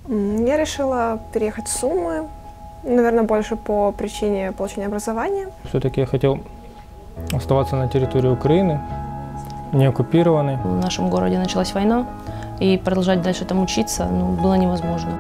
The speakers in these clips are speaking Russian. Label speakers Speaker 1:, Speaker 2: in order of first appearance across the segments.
Speaker 1: Я решила переехать в Сумы, наверное, больше по причине получения образования.
Speaker 2: Все-таки я хотел оставаться на территории Украины, не оккупированной.
Speaker 3: В нашем городе началась война, и продолжать дальше там учиться было невозможно.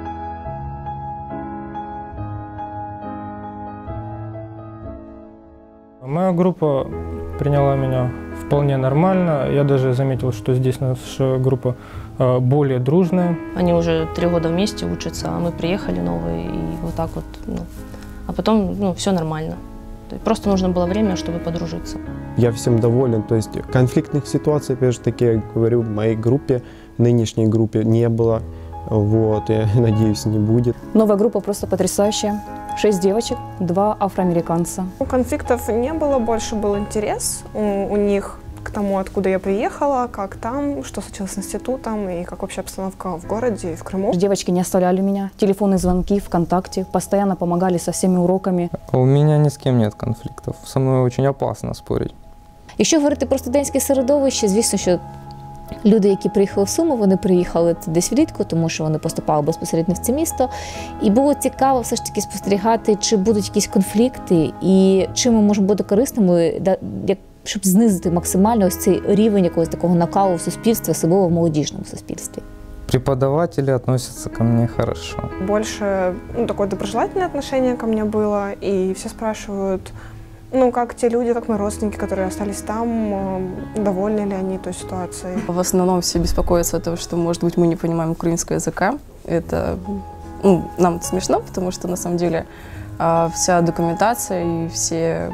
Speaker 2: Моя группа приняла меня вполне нормально. Я даже заметил, что здесь наша группа более дружная.
Speaker 3: Они уже 3 года вместе учатся, а мы приехали новые, и вот так вот. А потом все нормально. Просто нужно было время, чтобы подружиться.
Speaker 4: Я всем доволен. То есть конфликтных ситуаций, опять же таки, я говорю, в моей группе, нынешней группе не было. Вот, я надеюсь, не будет.
Speaker 5: Новая группа просто потрясающая. 6 девочек, 2 афроамериканца.
Speaker 1: Конфликтов не было, больше был интерес у них к тому, откуда я приехала, как там, что случилось с институтом и как вообще обстановка в городе и в Крыму.
Speaker 5: Девочки не оставляли меня, телефонные звонки, ВКонтакте, постоянно помогали со всеми уроками.
Speaker 6: У меня ни с кем нет конфликтов, со мной очень опасно спорить.
Speaker 7: Якщо говорити про студентське середовище, звісно, що люди, які приїхали в Суми, вони приїхали десь влітку, тому що вони поступали безпосередньо в це місто. І було цікаво все ж таки спостерігати, чи будуть якісь конфлікти і чим ми можемо бути корисними, щоб знизити максимально ось цей рівень якогось такого накалу в суспільстві, особливо в молодіжному суспільстві.
Speaker 6: Преподаватели относятся ко мне хорошо.
Speaker 1: Больше такое доброжелательное отношение ко мне было, и все спрашивают, как те люди, как мои родственники, которые остались там, довольны ли они той ситуацией.
Speaker 8: В основном все беспокоятся о том, что, может быть, мы не понимаем украинского языка. Это нам это смешно, потому что, на самом деле, вся документация и все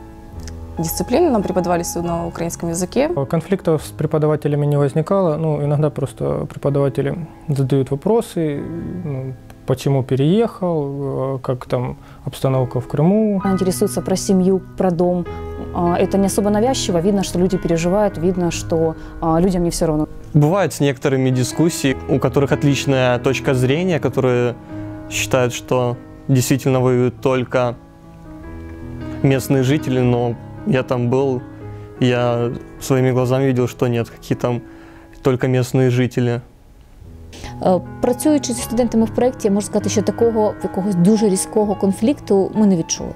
Speaker 8: дисциплины нам преподавались на украинском языке.
Speaker 2: Конфликтов с преподавателями не возникало. Иногда просто преподаватели задают вопросы, почему переехал, как там обстановка в Крыму.
Speaker 5: Интересуются про семью, про дом. Это не особо навязчиво. Видно, что люди переживают, видно, что людям не все равно.
Speaker 9: Бывают с некоторыми дискуссии, у которых отличная точка зрения, которые считают, что действительно воюют только местные жители, но я там был, я своими глазами видел, что нет, какие там только местные жители.
Speaker 7: Працюючи зі студентами в проєкті, я можу сказати, що такого якогось дуже різкого конфлікту ми не відчули.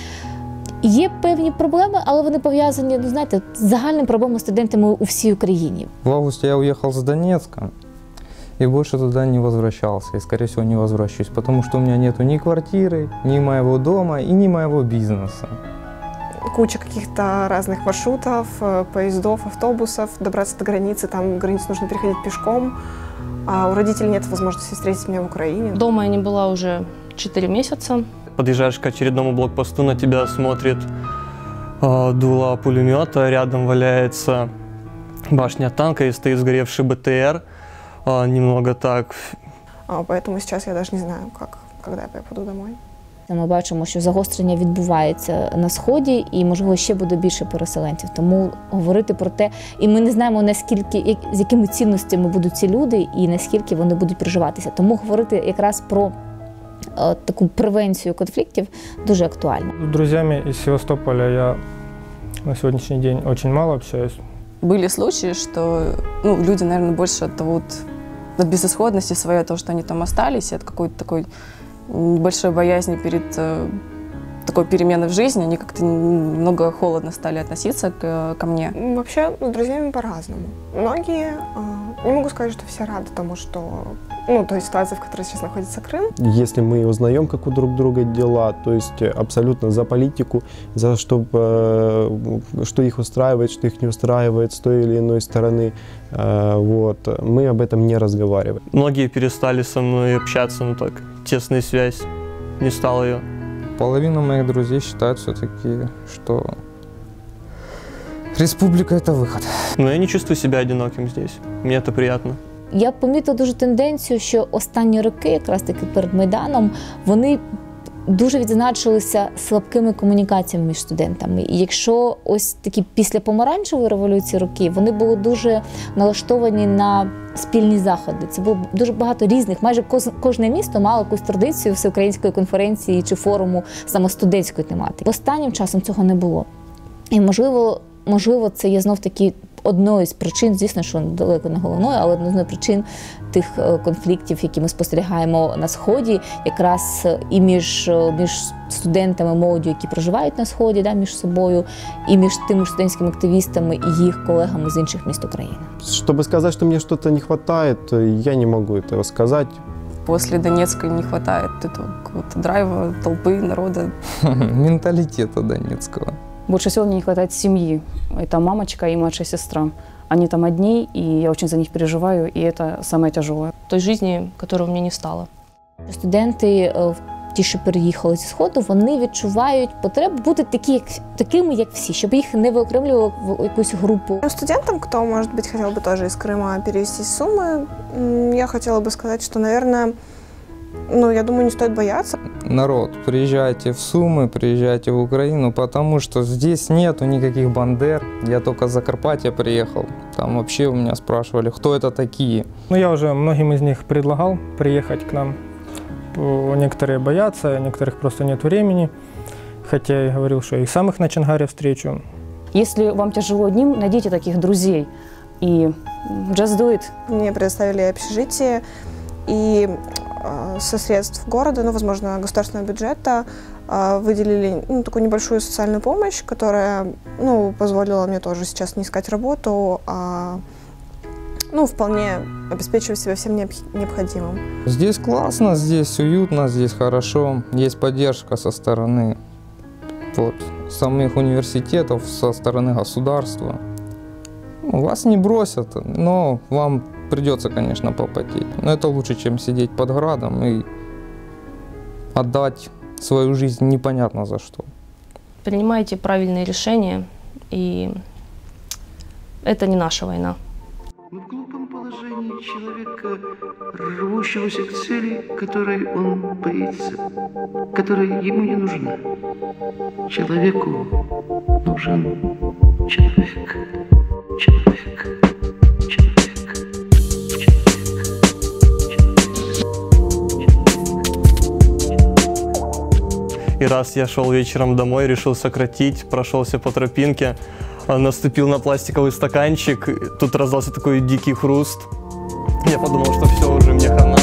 Speaker 7: Є певні проблеми, але вони пов'язані, з загальними проблемами студентами у всій Україні.
Speaker 6: В августе я уехал с Донецка и больше туда не возвращался. И, скорее всего, не возвращусь, потому что у меня нету ни квартиры, ни моего дома и ни моего бизнеса.
Speaker 1: Куча каких-то разных маршрутов, поездов, автобусов, добраться до границы, там границу нужно переходить пешком. А у родителей нет возможности встретить меня в Украине.
Speaker 3: Дома я не была уже 4 месяца.
Speaker 9: Подъезжаешь к очередному блокпосту, на тебя смотрит дуло пулемета, рядом валяется башня танка и стоит сгоревший БТР. Немного так.
Speaker 1: Поэтому сейчас я даже не знаю, когда я попаду домой.
Speaker 7: Ми бачимо, що загострення відбувається на Сході і, можливо, ще буде більше переселенців. Тому говорити про те, і ми не знаємо, наскільки, з якими цінностями будуть ці люди і наскільки вони будуть приживатися. Тому говорити якраз про таку превенцію конфліктів дуже актуально.
Speaker 2: С друзьями из Севастополя я на сегодняшний день очень мало общаюсь.
Speaker 8: Были случаи, что люди, наверное, больше от безысходности своей, от того, что они там остались, от какой-то такой большой боязни перед такой переменой в жизни, они как-то немного холодно стали относиться ко мне.
Speaker 1: Вообще, с друзьями по-разному. Многие, не могу сказать, что все рады тому, что, той ситуации, в которой сейчас находится Крым.
Speaker 4: Если мы узнаем, как у друг друга дела, то есть абсолютно за политику, за что их устраивает, что их не устраивает с той или иной стороны, мы об этом не разговариваем.
Speaker 9: Многие перестали со мной общаться, так, тесная связь, не стало ее.
Speaker 6: Половина моих друзей считают все-таки, что республика – это выход.
Speaker 9: Но я не чувствую себя одиноким здесь. Мне это приятно.
Speaker 7: Я помітила дуже тенденцію, що останні роки, якраз таки перед Майданом, вони дуже відзначилися слабкими комунікаціями між студентами. І якщо ось такі після помаранчевої революції роки, вони були дуже налаштовані на спільні заходи. Це було дуже багато різних, майже кожне місто мало якусь традицію всеукраїнської конференції чи форуму саме студентської тематики. Останнім часом цього не було. І можливо, це є знов таки одною з причин, звісно, що далеко не головною, але одною з причин тих конфліктів, які ми спостерігаємо на Сході, якраз і між студентами, молоддю, які проживають на Сході, да, між собою, і між тими студентськими активістами і їх колегами з інших міст України.
Speaker 4: Чтобы сказать, что мне что-то не хватает, я не могу этого сказать.
Speaker 8: После Донецка не хватает этого какого-то драйва, толпы, народа.
Speaker 6: Менталитета донецкого.
Speaker 5: Больше всего мне не хватает семьи. Это мамочка и младшая сестра. Они там одни, и я очень за них переживаю, и это самое тяжелое.
Speaker 3: Той жизни, которой у меня не стало.
Speaker 7: Студенти, ті, що переїхали зі Сходу, вони відчувають потребу бути такими, як всі, щоб їх не виокремлювали в якусь групу.
Speaker 1: Студентам, кто, может быть, хотел бы тоже из Крыма перевестись в Сумы, я хотела бы сказать, что, наверное, я думаю, не стоит бояться.
Speaker 6: Народ, приезжайте в Сумы, приезжайте в Украину, потому что здесь нету никаких бандер. Я только с Закарпатья приехал. Там вообще у меня спрашивали, кто это такие.
Speaker 2: Я уже многим из них предлагал приехать к нам. Некоторые боятся, некоторых просто нет времени. Хотя я говорил, что и сам их на Чангаре встречу.
Speaker 5: Если вам тяжело одним, найдите таких друзей и just do it.
Speaker 1: Мне предоставили общежитие, и со средств города, возможно, государственного бюджета, выделили такую небольшую социальную помощь, которая позволила мне тоже сейчас не искать работу, а вполне обеспечивать себя всем необходимым.
Speaker 6: Здесь классно, здесь уютно, здесь хорошо. Есть поддержка со стороны самих университетов, со стороны государства. Вас не бросят, но вам придется, конечно, попотеть. Но это лучше, чем сидеть под градом и отдать свою жизнь непонятно за что.
Speaker 3: Принимайте правильные решения, и это не наша война.
Speaker 10: Мы в глупом положении человека, рвущегося к цели, которой он боится, которая ему не нужна. Человеку нужен человек. Человек.
Speaker 9: И раз я шел вечером домой, решил сократить, прошелся по тропинке, наступил на пластиковый стаканчик, тут раздался такой дикий хруст. Я подумал, что все, уже мне хана.